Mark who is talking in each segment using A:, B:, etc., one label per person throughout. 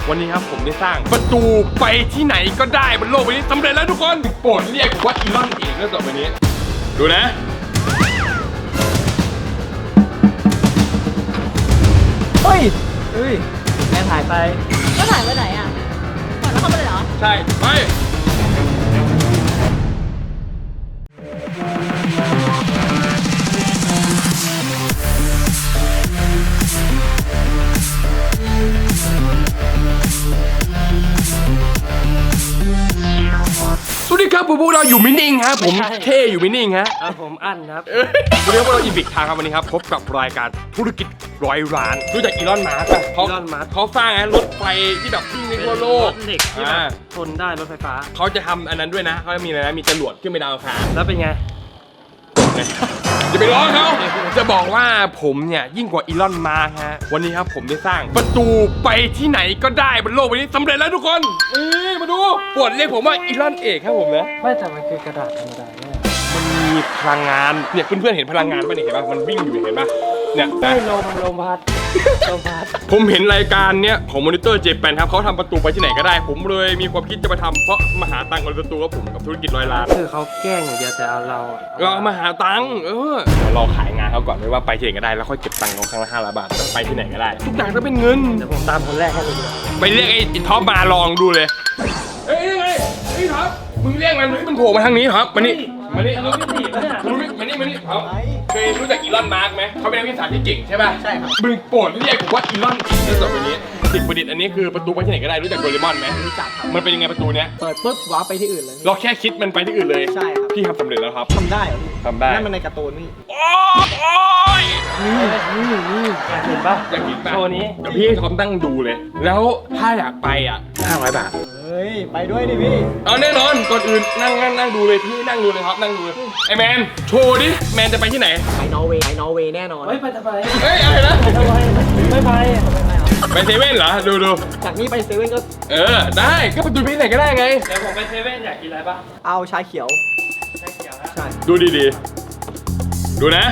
A: วันนี้ครับผมได้สร้างประตูไปที่ไหนก็ได้บนโลกใบนี้สำเร็จแล้วทุกคนโปรดเรียกว่าอีลอนเอกแล้วต่อไปนี้ดูนะ
B: เฮ้ยแม่ถ่ายไป
C: ก็ถ่ายไปไหนอ่ะก่อนแล้วเข้าไปเลยเหรอ
A: ใช่ไปสวัสดีครับพวกเราอยู่มินิ่งครับผมเท่อยู่มินิ่งฮะ
B: ผมอั้นครับ
A: วันนี้พวกเราอีพิกทางครับวันนี้ครับพบกับรายการธุรกิจ100 ล้านรู้จักอีลอนมาร์กป่ะเขาสร้างรถไฟที่แบบวิ่งทั่วโลก
B: เด็กที่แบบทนได้รถไฟฟ้า
A: เขาจะทำอันนั้นด้วยนะเขาจะมีอะไรนะมีจรวดขึ้นไปดาวอังคาร
B: แล้วเป็นไง
A: จะไปร้องเขาจะบอกว่าผมเนี่ยยิ่งกว่าอีลอนมาร์กฮะวันนี้ครับผมได้สร้างประตูไปที่ไหนก็ได้บนโลกใบนี้สำเร็จแล้วทุกคนมาดูปวดเรียกผมว่าอีลอนเอกครับผมนะ
B: ไม่แต่มันคือกระดาษธรรมดาเนี่ย
A: มันมีพลังงานเนี่ยเพื่อนๆเห็นพลังงานป่ะเนี่ยเห็นป่ะมันวิ่งอยู่เห็นป่ะเนี่ย
B: ได้ลมพัด
A: ผมเห็นรายการเนี้ยของมอนิเตอร์เจแปนครับเขาทำประตูไปที่ไหนก็ได้ผมเลยมีความคิดจะมาทำเพราะมาหาตังค์กับประตูกับผมกับธุรกิจ100 ล้าน
B: คือเขาแกล้งอย่างเดียวแต่เอาเรา
A: มาหาตังค์เราขายงานเขาก่อนเลยว่าไปที่ไหนก็ได้แล้วค่อยเก็บตังค์เขาครั้งละ500 บาทไปที่ไหนก็ได้ทุกอย่างต้องเป็นเงิน
B: เดี๋ยวผมตามคนแรกให้
A: ไปเรียกไอ้ท็อปมาลองดูเลยเฮ้ยไอ้ท็อปมึงเรียกมันโผล่มาทางนี้ครับมานี่มานี่ครับเคยรู้จักอีลอนมาร์กไหมเขาเป็นนักวิทยาศาสตร์ที่เก่งใช่ป่ะ
B: ใช่ครับ
A: มึงโปรดเรียกผมว่าอีลอนเอกต่อไปนี้สิ่งประดิษฐ์อันนี้คือประตูไปที่ไหนก็ได้รู้จักโดเรมอนไหม
B: รู้จักครับ
A: มันเป็นยังไงประตูเนี้ย
B: เปิดปุ๊บว้าไปที่อื่นเลย
A: เราแค่คิดมันไปที่อื่นเลย
B: ใช่ครับ
A: พี่ทำสำเร็จแล้วครับ
B: ทำได้เหรอ
A: ทำได้
B: นั่นมันในการ์ตูนนี่
A: โอ้ย
B: นี่อยากเห็นป่ะ
A: อยากเห็นป่ะ
B: โชว์นี้
A: เดี๋ยวพี่ทอมตั้งดูเลยแล้วถ้าอยากไปอ่ะ500 บาท
B: ไปด้วยดิพี่
A: เอาแน่นอนก่อนอื่นนั่งดูเลยพี่นั่งดูเลยครับนั่งดูเลยไอแมนโชว์ดิแมนจะไปที่ไหน
B: ไปนอร์เวย์แน่นอน
C: ไปทำไม
A: อะไรนะ
B: ไม่ไป
A: ไปเซเว่นเหรอดู
B: จากนี้ไปเซเว่นก็
A: ได้ก็ไปดูที่ไหนก็ได้ไง
B: เดี๋ยวผมไปเซเว่นอยากกินอะไรป่ะเอาชาเขียว
A: นะใช่ดูดีๆดูนะ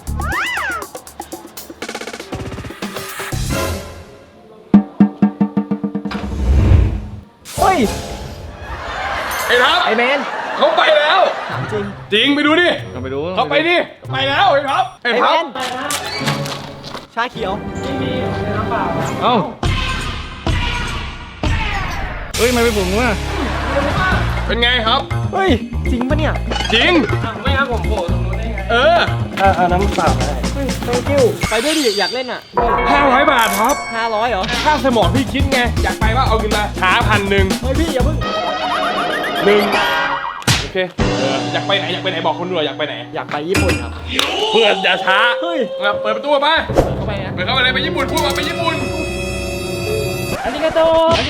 B: เฮ้ย
A: ไอ้ทับ
B: ไอ้แมน
A: เขาไปแล้วจริงไปดูดิ
B: ไปดู
A: เขาไปดิไปแล้วไอ้ทับ
B: ไอ้แมนชาเขียวไม่มีน้ำเปล่า
A: เอ้า
B: เฮ้ยไม่ไปผมว่ะ
A: เป็นไงครับ
B: เฮ้ยจริงปะเนี่ย
A: จริง
B: ไม่ครับผมโผล่ตรงนู้นได้ไง
A: เอา
B: น้ำเปล่าได้thank you ไปด้วยดิอยากเล่นอ่ะ
A: 500 บาทครับ
B: 500เหรอ
A: ค่าสมองพี่คิดไงอยากไปว่าเอาเงินมาหา1,000
B: เฮ้ยพี่อย่าเพิ่ง
A: โอเคอยากไปไหนบอกคนดูอยากไปไหน
B: อยากไปญี่ปุ่นครับ
A: เพื่อนอย่าช้า
B: เฮ้ย
A: เปิดประตูมา
B: เข้าไปนะ
A: เปิดเข้าไปเลยไปญี่ปุ่นพูดว่าไปญี่ปุ่น
B: อาริกาโต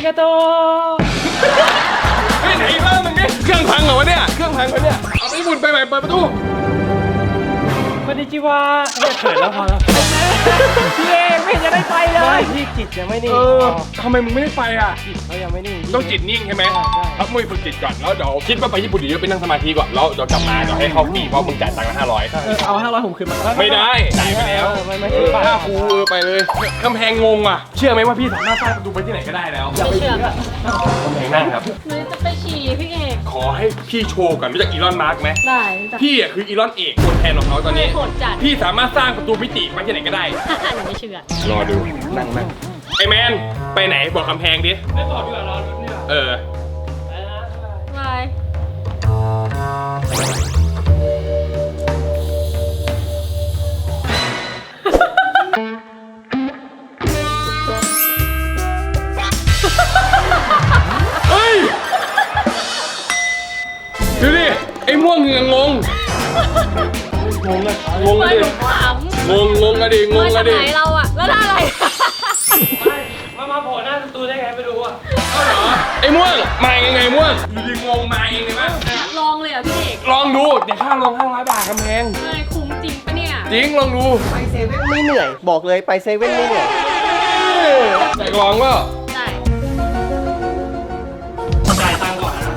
A: เฮ้ยไหนบ้างมึงเนี่ยเครื่องพังเหรอวะเนี่ยเครื่องพังเหรอเนี่ยเอาไปญี่ปุ่นไปใหม่เปิดประตู
B: คอนนิจิวะเนี่ยเขินแล้วพอแล้วพี่เองไม่จะได้ไปเลยพี่จิตยังไม่นิ่ง
A: ทำไมมึงไม่ได้ไปอ่ะ
B: จิตเขายังไม่นิ่ง
A: ต้องจิตนิ่งใช่ไหมครับมึงฝึกจิตก่อนแล้วเดี๋ยวคิดว่าไปญี่ปุ่นเดี๋ยวไปนั่งสมาธิก่อนแล้วเดี๋ยวกลับมาเดี๋ยวให้เขาฟรีเพราะมึงจ่ายตังค์500
B: เอา500ผมคืนมา
A: ไม่ได้จ่ายไปแล้วค่าครูไปเลยกำแพงงงอ่ะเชื่อไหมว่าพี่สามารถสร้างประตูไปที่ไหนก็ได้แล้ว
C: ไม่เชื่อก
A: ำแพงนั่งครับ
C: หนูจะไปฉี่พี่เอก
A: ขอให้พี่โชว์ก่อนรู้จักอีลอนมาร์กไหม
C: ได้
A: พี่อ่ะคืออีลอนเอกคนแทนของเขาตอนนี้พี่สามารถสร้างประตูมิติไปที่ไหนก็ได้
C: หนูไม่เชื่อ
A: รอดูนั่งไอแมนไปไหนบอกกำแพงดิ
B: ไม่บอกดีกว่ารอรุ้นดีกว่า
C: บาย
A: เฮ้ยดูดิไอ้ม่วงเหงืองงเลยงงเลยงงอะดิงงอะดิ
C: ไหนเราอะแล้วท่าอะไร
B: มาโผล่หน้าประตูได้ไงไปดูอ่ะ
A: เอาเหรอไอ้ม่วงมายังไงม่วงอยู่ดีงงมาเองเลยมั้ย
C: ลองเลยอ่ะพี่เอก
A: ลองดูเดี๋ยวค่าลง500 บาทกำแพง
C: ไม่คุ้มจริงปะเนี่ย
A: จริงลองดู
B: ไปเซเว่นไม่เหนื่อยบอกเลยไปเซเว่นไม่เหนื่อย
A: ใจลองก็
C: ได้
B: จ่ายตังค์ก่อนนะ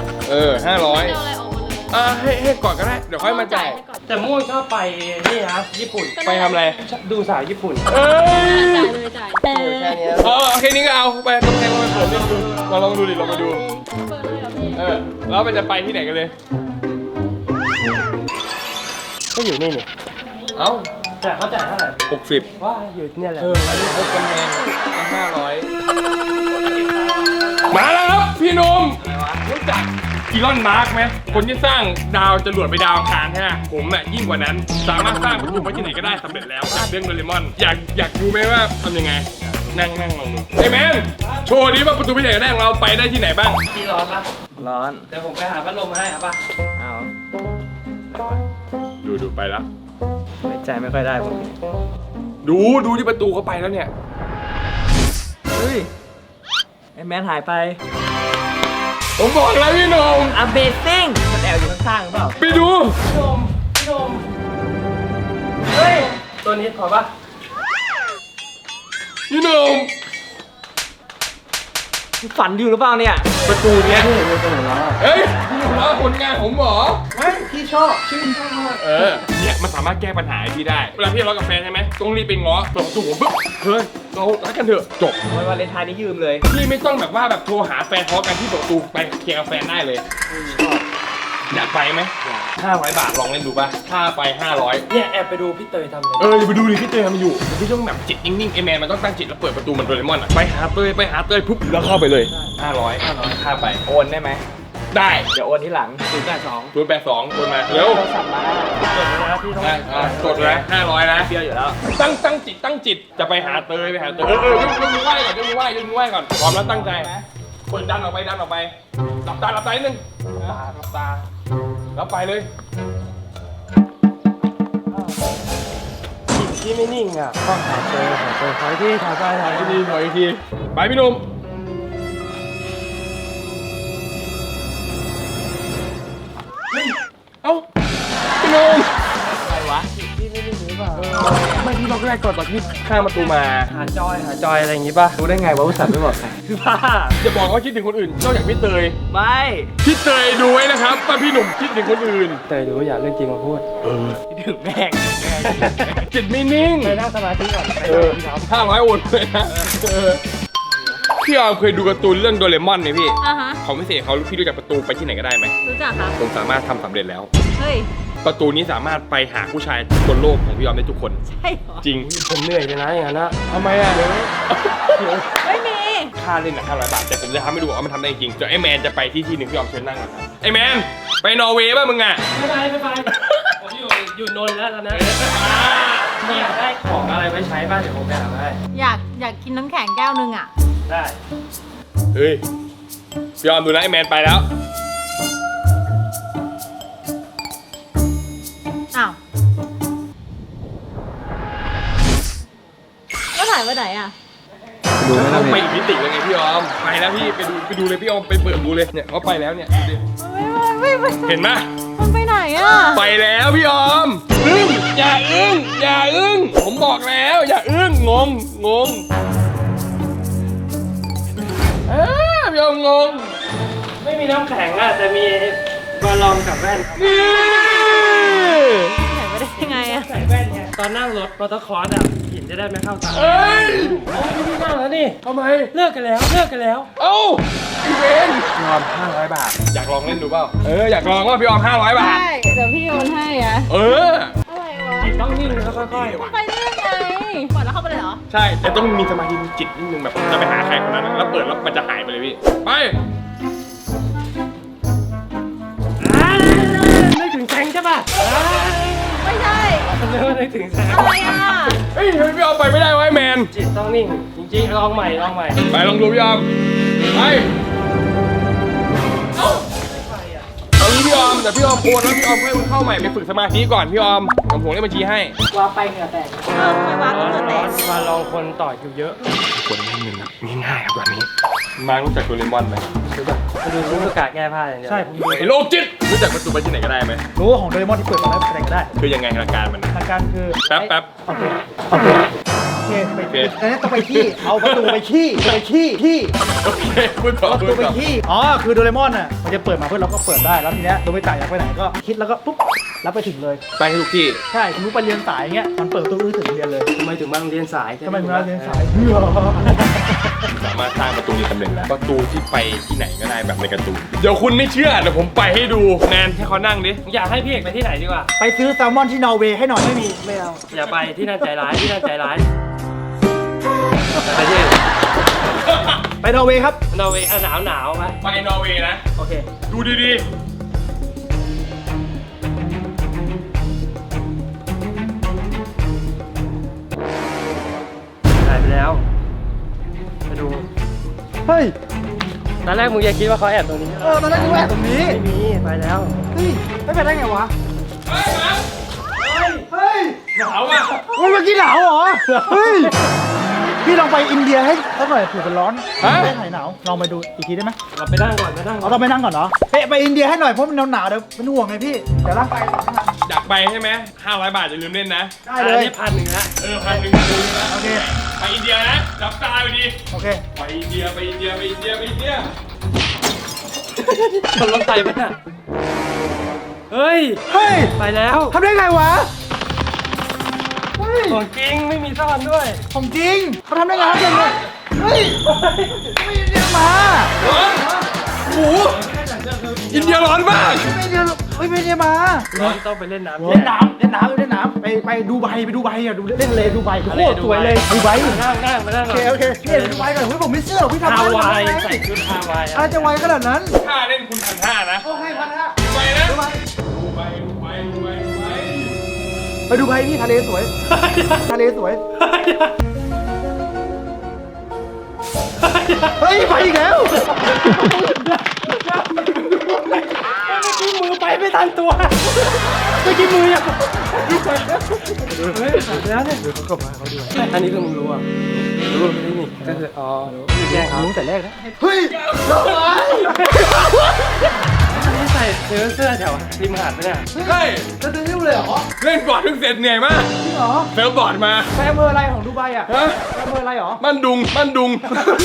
A: 500ให้ก่อนก็ได้เดี๋ยวค่อยมาจ่าย
B: แต่ม่วงชอบไปนี่นะญี่ปุ่น
A: ไปทำอะไร
B: ดูสาวญี่ปุ่น
C: จ่ายเลยจ่าย
A: โอเคนี้ก็เอาไปกำแพงไปเปิดดูเราลองดูดิลองมาดู
C: เปิดเลยเหรอพี่
A: แล้วมันจะไปที่ไหนกันเลย
B: ก็อยู่นี่นี่
A: เอ้า
B: แต่เขาจ่ายเท่าไหร่
A: 60
B: ว่าอยู่เนี่ยแหละ
A: อันนี้เขากำแพง500มาแล้วครับพี่หนุ่มรู้จักอีลอนมาร์กไหมคนที่สร้างดาวจรวดไปดาวอังคารใช่ไหมผมน่ะยิ่งกว่านั้นสามารถสร้างประตูไปที่ไหนก็ได้สำเร็จแล้วจากเรื่องโดเรมอนอยากดูไหมว่าทำยังไงนั่งลองดูไอ้แมนโชว์นี้ว่าประตูไปไหนก็ได้ของเราไปได้ที่ไหนบ้าง
B: ที่ร้อนปะ
D: ร้อน
B: เดี๋ยวผมไปหาพัดลมให้ครับป่ะ
D: เอา
A: ดูไปแล้ว
D: ไว้ใจไม่ค่อยได้ผม
A: ดูที่ประตูเขาไปแล้วเนี่ย
D: เฮ้ย ไอ้แมนหายไป
A: ผมบอกแล้วพี่หนุ่ม
D: Amazing มันแอบอยู่ข้างๆหรือเปล่า
A: ไปดู
B: พี่โดมเฮ้ยตัวนี้พอปะ
A: พี่หนุ่ม
D: ฝันอยู่หรือเปล่าเนี่ย
A: ประตูเนี้ย
D: เห็นเป็นตัวแล้ว
A: เฮ้ยพี่ว่าผลงานผมเหรอ
B: เฮ้ยพี่ชอบชื่นชอบ
A: เนี่ยมันสามารถแก้ปัญหาให้พี่ได้ เวลาพี่ทะเลาะกับแฟนใช่ไหมต้องรีบไปง้อเปิดประตูผมปุ๊บเฮ้ยเรารักกันเถอะจบ
D: วันวาเลนไทน์นี้ยืมเลย
A: พี่ไม่ต้องแบบว่าแบบโทรหาแฟนทะเลาะกันที่เปิดประตูไปเคลียร์กับแฟนได้เลยอยากไปไหม500 บาทลองเล่นดูป่ะค่าไป500
B: เนี่ยแอบไปดูพี่เตยทำเลย
A: อย่าไปดูดิพี่เตยทำอยู่พี่ต้องแบบจิตนิ่งๆไอแมนมันต้องตั้งจิตแล้วเปิดประตูเหมันโดเรมอนอะไปหาเตยปุ๊บแล้วเข้าไปเลย500ค่าไป
D: โอนได้ไหม
A: ได้
D: เดี๋ยวโอนที่หลัง
A: 082โอนมาเร็ว
D: โทรศัพท์มา
B: จดไว้นะพี่ต้อง
A: กดเลย500นะ
D: เปรี้ยวอยู่แล้ว
A: ตั้งจิตจะไปหาเตยยกมือไหว้ก่อนยกมือไหว้ก่อนพร้อมแล้วตั้งใจเปิดดันออกไปหลับตานิดนึงหลับตาแล้วไปเลย
B: พี่ไม่นิ่งอ่ะต้องหาเจอถอยที่ถอยไปถอย
A: อีก
B: ที่
A: ทีถอยอีกทีไปพี่หนุ่มเอ้าพี่หนุ่ม
D: อะไรวะ
B: พี่ไม่นิ่งหรือเปล่า
A: ไม่พี่เราก็ได้กดตอนที่ข้ามประตูมา
B: หาจอยอะไรอย่างงี้ป่ะ
D: รู้ได้ไงว่าอุตส่าห์ไม่บอกใคร
B: บ้า
A: จะบอกว่าคิดถึงคนอื่นนอกจากพี่เตย
D: ไม่
A: พี่เตยดูไว้นะครับว่าพี่หนุ่มคิดถึงคนอื่น
B: เตยดูอยากเรื่องจริงมาพูด
D: ถึงแม่ง
A: จิตไม่นิ่ง
B: ไปนั่งสมาธิก่อนไป
A: 500โอนเลยนะพี่ออมเคยดูการ์ตูนเรื่องโดเรมอนไหมพี่
C: อ่ะฮะ
A: ของพิเศษเขาพี่รู้จักประตูไปที่ไหนก็ได้ไหม
C: รู้จักครับ
A: ผมสามารถทำสำเร็จแล้ว
C: เฮ้ย
A: ประตูนี้สามารถไปหาผู้ชายบนโลกของพี่ออมได้ทุกคน
C: ใช่เหรอ
A: จริง
B: ผมเหนื่อยเลยนะอย่างนั้นนะ
A: ทำไมอ่ะ
C: ไม่มี
A: ค่าเล่นอ่ะ500 บาทแต่ผมจะทำให้ดูว่ามันทำได้จริงเดี๋ยวไอ้แมนจะไปที่หนึ่งพี่ออมเชิญนั่งก่อนครับไอ้แมนไปนอร์เวย์ป่ะมึงอ่ะ
B: ไม่ไปผมอยู่นนท์แล้วตอนนั้นไม่อยากได้ของอะไรไว้ใช้บ้างเดี๋ยวผมไปหามาให้
C: อยากกินน้ำแข็งแก้วนึงอ่ะ
B: ได้
A: เฮ้ยพี่ออมดูนะไอ้แมนไปแล้ว
C: อ้าวแล้วถ่ายไปไหนอ่ะ
D: ดูไม่ต้อง
A: ไป
D: มี
A: อีกมิติเลยไงพี่ออมไปแล้วพี่ไปดูเลยพี่ออมไปเปิดดูเลยเนี่ยเขาไปแล้วเนี่ยดูดิ เห็นไหม
C: มันไปไหนอ่ะ
A: ไปแล้วพี่ออมอึ้งอย่าอึ้งผมบอกแล้วอย่าอึ้งงพี่ออมงง
B: ไม่มีน้ำแข็งอ่ะแต่มีบอลลอมกับแว่น
A: นี่
C: ถ่ายไปได้ยังไงอ่ะ
B: ใส่แว่นไงตอนนั่งรถมอเตอร์คอร์สอ่ะหินจะได้ไม่เข้าตา
A: เอ้ย
B: โอ้ยพี่นั่งแล้วนี่
A: ทำไม
B: เลิกกันแล้ว
A: เอ้าพี่เวนพี่ออม500 บาทอยากลองเล่นดูเปล่าอยากลองว่าพี่ออม500 บาท
C: ใช่เดี๋ยวพี่โอนให้อ่ะ อะไรวะ
B: จิตต้องนิ่งแล้วค่อย
C: ไปได้ยังไงปล่อยแล้วเข้าไปเลยเหรอ
A: ใช่แต่ต้องมีสมาธิมีจิตนิดนึงแบบจะไปหาใครคนนั้นแล้วเปิดแล้วมันจะหายไปเลยพี่ไป
B: นึกถึงแซงใช่ป่ะ
C: ไม่ใช่
B: นึกถึงแซง
C: อะไรอ่ะ
A: เฮ้ยทำไมพี่ออมไปไม่ได้วะไอ้แมน
B: จิตต้องนิ่ง จริงๆลองใหม่
A: ไปลองดูพี่ออมไปเอางี้พี่ออมแต่พี่ออมโอนแล้วพี่ออมให้มันเข้าใหม่ไปฝึกสมาธิก่อนพี่ออมผมเลขบัญชีให้
D: ว่าไปเหงื่อแตก
C: ไม่วัดก็จะแตก
B: มาลองคนต่อคิวเยอะ
A: คนไม่เงินนะง่ายๆครับแบบนี้มารู้จักโดเรมอนไหมรู้จัก
B: มาดูรู้ประกาศแก้ผ้าอย่างเดียว ใช่ผมดู
A: ไอ้โรคจิตรู้จักประตูไปที่ไหนก็ได้ไหม
E: รู้ว่าของโดเรมอนที่เปิดมาแล้วอะไรก็ได้
A: คือยังไงหลักการมัน
E: หลักการคือ
A: แป๊บ
E: โอเคไปอันนี้ต้องไปขี้ เอาประตูไปขี้ขี้
A: โอเคพูดต่อ
E: ประ
A: พู
E: ตู
A: ด
E: ไป
A: ต่อ
E: ขี้อ๋อคือโดเรมอนอ่ะมันจะเปิดมาเพื่อเราก็เปิดได้แล้วทีเนี้ยโดมิตะอยากไปไหนก็คิดแล้วก็ปุ๊บรับไปถึงเลย
A: ไปให้ทุกที่
E: ใช่คุณรู้ไปเรียนสายเงี้ยมันเปิดประตูถึงเรียนเลย
B: ทำไมถึงมาโรงเรียนสาย
E: ทำไมถึงมาเรียนสายเพื่อ
A: สามารถสร้างประตูนี้สำเร็จแล้วประตูที่ไปที่ไหนก็ได้แบบในการ์ตูนเดี๋ยวคุณไม่เชื่อเดี๋ยวผมไปให้ดูแนนให้เขานั่งดิ
B: อยากให้พี่เอกไปที่ไหนดีกว่า
E: ไปซื้อแซลมอนที่นอร์เวย์ให้หน่อยไม่มีไม่เอา
B: อย่าไปที่นั่นใจร้ายที่นั่นใจร้ายไปที่
E: ไปนอร์เวย์ครับ
B: นอร์เวย์หนาวหนาวไหม
A: ไปนอร์เวย์นะ
B: โอเค
A: ดูดี
B: ถ่ายไปแล้วไปดู
E: เฮ้ย
B: ตอนแรกมึงยังคิดว่าเขาแอบตรงนี้
E: ตอนแรกกูแอบตรงนี้
B: ไม่มีไปแล้ว
E: เฮ้ยไม่ไปได้ไงวะ
A: ๆเฮ้ยมา
E: เฮ้ย
A: หนาวอ่ะ
E: เมื่อกี้หนาวเหรอ เฮ้ย พี่ลองไปอินเดียให้สักหน่อยเผื่อมันร้อนไม่หายหนาว ลองไปดูอีกทีได้ไหม
B: เราไปนั่งก่อนไปนั่งก่อ
E: เอา
B: น
E: ต้องไปนั่งก่อนเนาะไปอินเดียให้หน่อยเพราะมันหนาวๆเดี๋ยวมันห่วงไงพี่ เดี๋ยวร่างกายไม่ทัน
A: อยากไปใช่ไหม500 บาทอย่าลืมเล่นนะ
E: ได้เลย
B: อันนี้1,100ละ
A: 1,100นะ
E: โอเค
A: ไปอินเดียนะจับตาไปดี
E: โอเค
A: ไปอินเดียไปอินเดียไปอินเดียไปอินเดีย
B: ชนรถไฟปะเนี่ยเฮ้ย
E: เฮ้ย
B: ไปแล้ว
E: ทำได้ไงวะ เฮ้ย
B: ของจริงไม่มีซ่อนด้วย
E: ของจริงเขาทำได้ไงครับเก่งเลยเฮ้ย ไม่อินเดียมา
A: ร้อนโอ้โหอินเดียร้อนมาก
E: ไม่อินเดียไม่อินเดียมา
B: ร้อนต้องไปเล่นน้ำ
E: เล่นน้ำไปดูไบอ่ะดูเล่นทะเลดูไบโคตรสวยเลยดูไบ
B: นั่งมานั่ง
E: โอเคพี่ดูไบก่อนเฮ้ยผมไม่เชื่อหรอกพี่ทำ
B: ฮาวาย
E: ได้
B: ใส่ชุดฮาวาย
E: อะไรจะไวขนาดนั้น
A: ค่าเล่นคุณ1,500นะ
E: โอเคพันฮะ
A: ไปนะ
E: ดูไบ
A: ดูไปดูไปดูไปดูไป
E: ไปดูไบพี่ทะเลสวยทะเลสวยเฮ้ยไปอีกแล้ว
B: มือไปไม่ทันตัวเมื่อกี้มือยังเฮ้ยแล้วเนี่ยอันนี้คือมึงรู้อ่ะรู้นี่ก็คืออ๋อแกล้งเขา
E: รู้แต่แรกนะเฮ้ย
B: อันนี้ใส่เสื้อแถวริมหาดไหมเนี่ย
A: เฮ้ย
E: จะซื้อเลยเหรอ
A: เล่นบอร์ดเพิ่งเสร็จเหนื่อยมาก
E: จริงเหรอ
A: เซิร์ฟบอร์ดมา
E: ไปอำเภออะไรของดูไบอ่ะ
A: ฮะ
E: ไปอำเภออะไรเหรอ
A: บ้านดุงบ้านดุง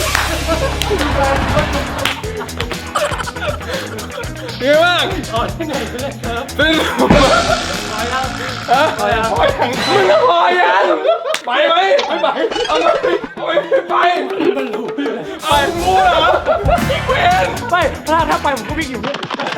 A: เยอะมาก
B: อ๋อที่ไหนไปเลยครับ
A: เป็น
B: พอยัง
A: ฮะพอยังมึงก็พอยังไปไหมไม่ไปเอาไหมไปมันรู้เลยไปรู้เหรออีกเวน
E: ไม่ถ้าไปผมก็วิ่งอยู่เนี่ย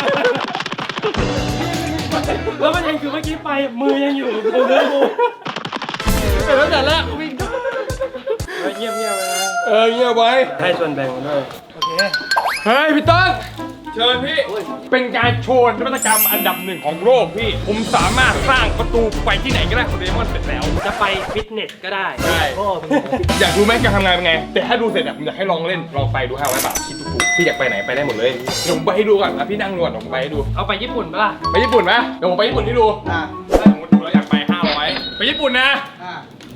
B: แล้วมันยังคือเมื่อกี้ไปมือยังอยู่บนเรือกู
E: แต่ตั้งแต่แรกวิ่ง
B: เงียบเลยนะ
A: เงียบไว้
B: ให้ส่วนแบ่งด้วย
E: โอเค
A: เฮ้ยพี่ต้นเชิญพี่ เป็นการโชว์นวัตกรรมอันดับ1ของโลกพี่ ผมสามารถสร้างประตูไปที่ไหนก็ได้ของเดมอนเสร็จแล้ว
B: จะไปฟิตเนสก็ได้
A: ใช่
E: โอ้
A: อยากรู้ไหมการทำงานเป็นไง แต่ถ้าดูเสร็จอะผมอยากให้ลองเล่น ลองไปดู500 บาทคิดถูกๆพี่อยากไปไหนไปได้หมดเลย เดี๋ยวผมไปให้ดูก่อนนะพี่นั่งดูก่อนเดี๋ยวผมไปให้ดู
B: เอาไปญี่ปุ่นปะล่ะ
A: ไปญี่ปุ่นไหมเดี๋ยวผมไปญี่ปุ่นให้ดู
E: อ่ะ
A: ถ้าสมมติดูแล้วอยากไป500ไปญี่ปุ่นนะ
E: อ่ะ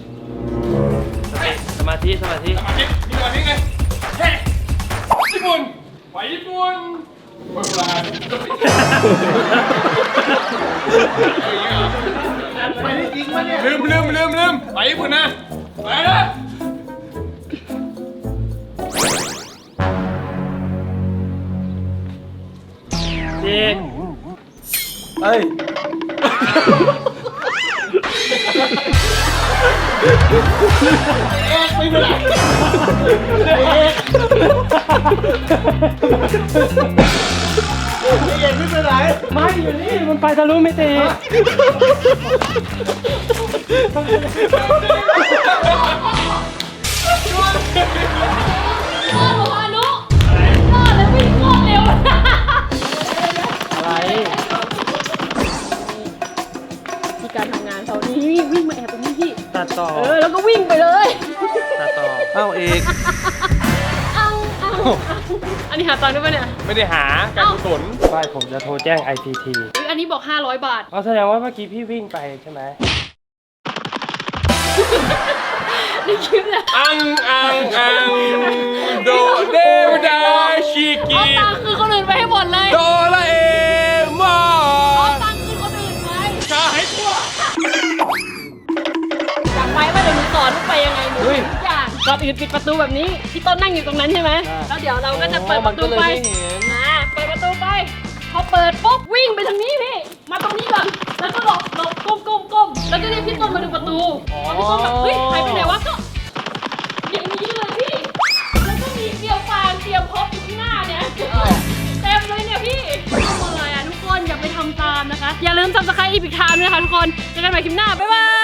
B: สมาธิ
A: สมาธิมีสมาธิไงเฮ้ญี่ปุ่นไปญี่ปุ่นเวลา
E: ไปได้จริงปะเนี่ย
A: ลืมไปญี่ปุ่นนะไปนะ
B: จริง
E: เอ้ยไม่เป็นไรเอกไม่เป็นไร
B: ไม่อยู่นี่มันไปทะลุมิติ
C: โอ้โหอนุรอดแล้ววิ่งโคตรเร็ว
B: อะไร
C: ที่การทำงานเขานี่วิ่งมาแอบตรงนี้พี่
B: ตัดต่อ
C: แล้วก็วิ่งไปเลย
B: ตัดต่อเอ้าเอก
C: เอาอันนี้หาตังค์ด้วยปะเนี่ย
A: ไม่ได้หาการกุศล
B: ไม่ผมจะโทรแจ้ง ICT
C: อุ๊ยอันนี้บอก500 บาท
B: เอาแสดงว่าเมื่อกี้พี่วิ่งไปใช่ไหม
C: ในคลิปเนี่ย
A: อังโดเดวดาชิ
C: เอา
A: กิ
C: ตังค์คือคนอื่นไปให้หมดเลย
A: โดราเอมอ
C: เอา
A: น
C: ตังค์คือคนอื่นไป
A: ชาให้ตัว
C: อยากไปว่าเดี๋ยวหนูสอนว่าไปยังไงหนูทุกอย่างก่อนอื่นปิดประตูแบบนี้พี่ต้นนั่งอยู่ตรงนั้นใช่ไหมแล้วเดี๋ยวเราก็จะเปิดประตูไปเปิดประตูไปพอเปิดปุ๊บวิ่งไปทางนี้พี่มาตรงนี้ก่อนแล้วก็หลบก้มแล้วก็เรียกพี่ต้นมาดูประตูพอพี่ต้นแบบเฮ้ยหายไปไหนวะก็อย่างนี้เลยพี่แล้วลืม subscribe Epic Time ด้วยนะคะทุกคนเจอกันใหม่คลิปหน้าบ๊ายบาย